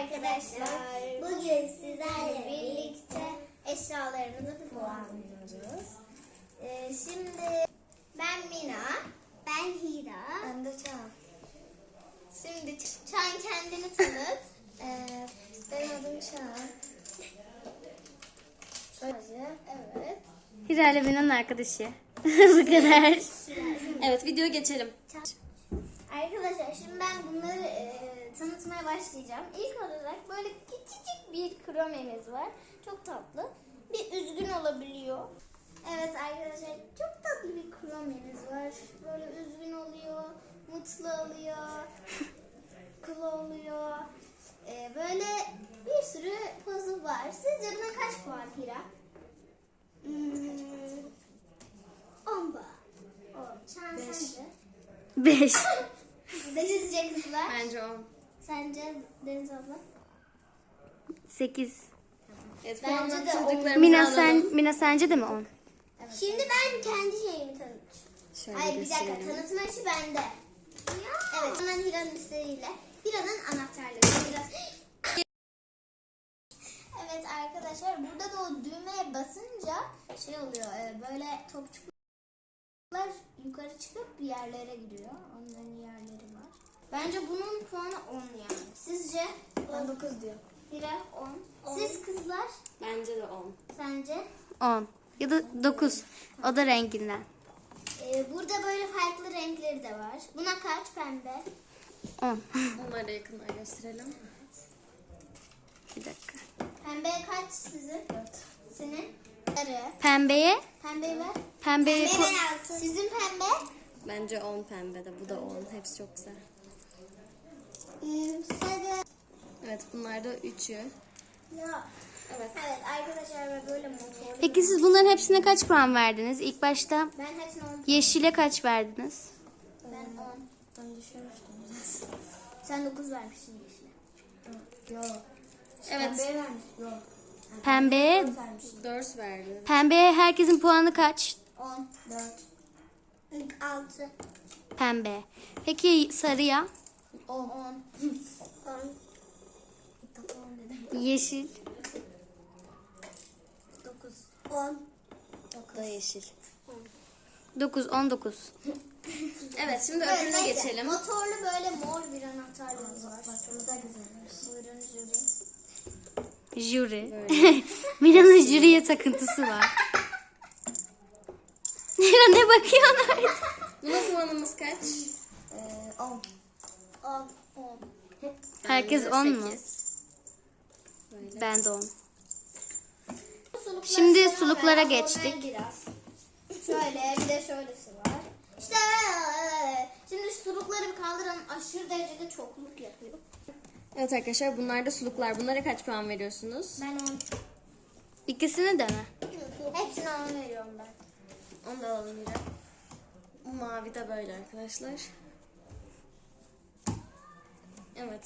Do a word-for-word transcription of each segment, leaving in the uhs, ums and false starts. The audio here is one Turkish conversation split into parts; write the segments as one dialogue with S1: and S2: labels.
S1: arkadaşlar. Bugün sizlerle birlikte eşyalarımızı puanlıyoruz. Ee, şimdi ben Mina, ben Hira, ben de Çağan. Şimdi Çağan kendini tanıt. ee, benim adım Çağan. Evet.
S2: Hira ile Mina'nın arkadaşı. Bu kadar. Evet, videoya geçelim.
S1: Arkadaşlar şimdi ben bunları e, tanıtmaya başlayacağım. İlk olarak böyle küçücük bir kromemiz var. Çok tatlı. Bir üzgün olabiliyor. Evet arkadaşlar çok tatlı bir kromemiz var. Böyle üzgün oluyor, mutlu oluyor, kıl oluyor. E, böyle bir sürü puzzle var. Sizce buna kaç puan Hira? Hmm, on puan. on. Şan sence?
S2: Beş.
S1: Denizce kızlar.
S2: Bence on.
S1: Sence Deniz abla?
S2: Sekiz.
S1: Evet, bence de on.
S2: Mina, sen, Mina sence de mi on?
S1: Evet. Şimdi ben kendi şeyimi tanıtacağım.
S2: Şöyle
S1: Hayır bir dakika,
S2: gösterelim.
S1: tanıtma işi bende. Ya. Evet, hemen Hira'nın üstleriyle. Hira'nın anahtarları. Biraz... Evet arkadaşlar, burada da o düğmeye basınca şey oluyor, böyle topçuklar yukarı çıkıp bir yerlere gidiyor. Onların yerleri var. Bence bunun puanı on yani. Sizce? Ben dokuz diyor. Hira on. Siz kızlar?
S2: Bence de on.
S1: Sence?
S2: on. Ya da dokuz. O da renginden.
S1: Ee, burada böyle farklı renkleri de var. Buna kaç pembe?
S2: on.
S3: Onları da yakından gösterelim.
S2: Bir dakika.
S1: Pembeye kaç sizin? dört. Senin? Sarı.
S2: Pembeye,
S1: Pembeyi ver.
S2: pembeye
S1: Pembe
S2: ko-
S1: ben altı. Sizin pembe?
S3: Bence on pembe de, bu da on. Hepsi çok güzel.
S1: Hmm, sarı.
S3: Evet, bunlar da üçü.
S1: Ya. Evet. Evet arkadaşlar böyle motorlu.
S2: Peki siz bunların hepsine kaç puan verdiniz? İlk başta
S1: Ben hepsini on.
S2: yeşile kaç verdiniz?
S1: Ben on. Ben düşürmüştüm biraz. Sen dokuz vermişsin yeşile. Yok.
S3: Evet.
S1: Pembeye vermiş. Yok.
S2: Pembeye,
S3: dört verdi.
S2: pembeye herkesin puanı kaç?
S1: on. dört. altı.
S2: Pembe. Peki sarıya?
S1: on. on. on.
S2: Yeşil.
S1: dokuz. on.
S3: Bu da yeşil.
S2: dokuz, on dokuz.
S3: Evet, şimdi
S1: Evet,
S3: öbürüne
S1: neyse.
S3: geçelim.
S1: Motorlu böyle mor bir anahtarlığımız var. Bak onu da güzelmiş. Buyurun jüri.
S2: Jüri. Mina'nın jüriye takıntısı var. Mira ne bakıyorsun öyle?
S3: Buna puanımız kaç?
S1: on. on. on.
S2: Herkes
S3: Bence
S2: on mu?
S3: sekiz. Böyle.
S2: Ben de on.
S1: Suluklar
S2: Şimdi
S1: sana
S2: suluklara
S1: ver,
S2: geçtik.
S1: ona Biraz. Şöyle bir de şöylesi var. İşte böyle. Şimdi şu sulukları bir kaldıralım. Aşırı derecede çokluk yapıyor.
S3: Evet arkadaşlar, bunlar da suluklar. Bunlara kaç puan veriyorsunuz?
S1: Ben on.
S2: İkisini de mi?
S1: Hepsine on veriyorum ben.
S3: Onu da alalım yine. Bu mavi de böyle arkadaşlar. Evet.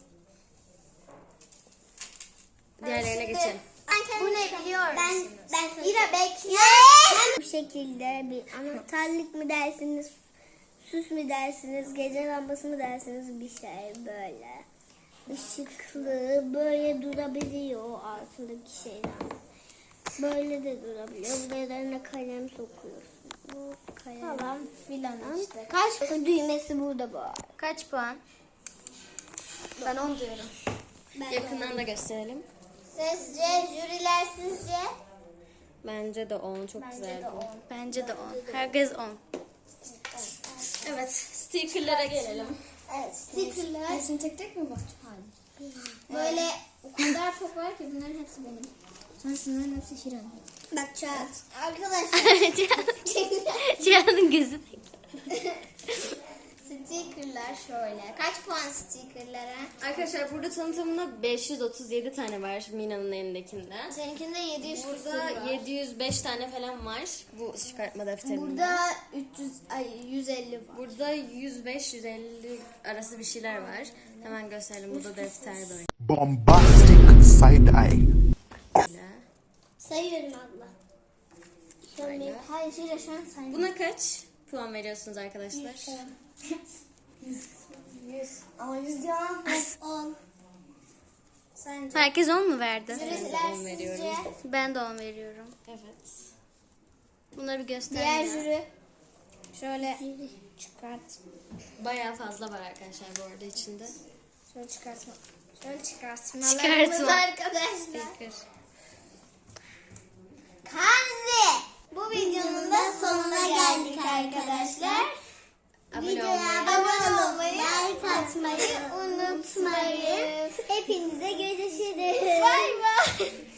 S3: Diğerlerine
S1: Şimdi-
S3: geçelim.
S1: Bu ne biliyor musun? Ben, ben İra bekle. Bu şekilde bir anahtarlık mı dersiniz, süs mü dersiniz, gece lambası mı dersiniz, bir şey böyle. Işıklı, böyle durabiliyor altındaki şeyler. Böyle de durabiliyor. Buralarına kalem sokuyorsun. Bu kalem. Falan filan işte. Kaç düğmesi burada bu.
S2: Kaç puan?
S1: Ben on diyorum.
S3: Yakından da gösterelim.
S1: Sizce, jüriler sizce?
S3: Bence de on. Çok güzel bu.
S2: Bence de on. Herkes on.
S3: Evet, stickerlara gelelim.
S1: Evet, stickerlar. Hepsini tek tek mi bakacağım? Hayır. Böyle o kadar çok var ki bunların hepsi benim. Sen şunların hepsi Hira'nın. Bak Çağat. Arkadaşlar.
S2: Cihan'ın gözü.
S1: Stickerlar şöyle. Kaç puan stickerlara?
S3: Arkadaşlar burada tanıtımında beş yüz otuz yedi tane var Mina'nın elindekinde.
S1: Seninkinde yedi yüz küsur
S3: Burada
S1: var.
S3: yedi yüz beş tane falan var bu çıkartma defterinde.
S1: Burada üç yüz, ay yüz elli var.
S3: Burada yüz beş yüz elli arası bir şeyler var. Hemen gösterelim. Bu da defter böyle.
S4: Bombastic side eye.
S1: Sayıyorum abla. Şöyle. Hayır Hira şu an sayıyorum.
S3: Buna kaç puan veriyorsunuz arkadaşlar?
S1: yüz. yüz. Ama yüz ya. on. Sence?
S2: Herkes on mu verdi?
S1: Jüriler
S3: on veriyorum.
S1: sizce?
S2: Ben de on veriyorum.
S3: Evet.
S2: Bunları bir göster.
S1: Diğer
S2: ya.
S1: jüri. Şöyle çıkart.
S3: Bayağı fazla var arkadaşlar bu arada içinde.
S1: Şöyle çıkartma. Şöyle çıkartma.
S2: Çıkartma.
S1: Arkadaşlar.
S2: Sticker.
S1: Kanzi. Bu videonun da sonuna geldik arkadaşlar.
S3: Abone
S1: Videoya
S3: olmayı.
S1: abone olmayı, like atmayı unutmayın. Hepinize görüşürüz. Bay bay.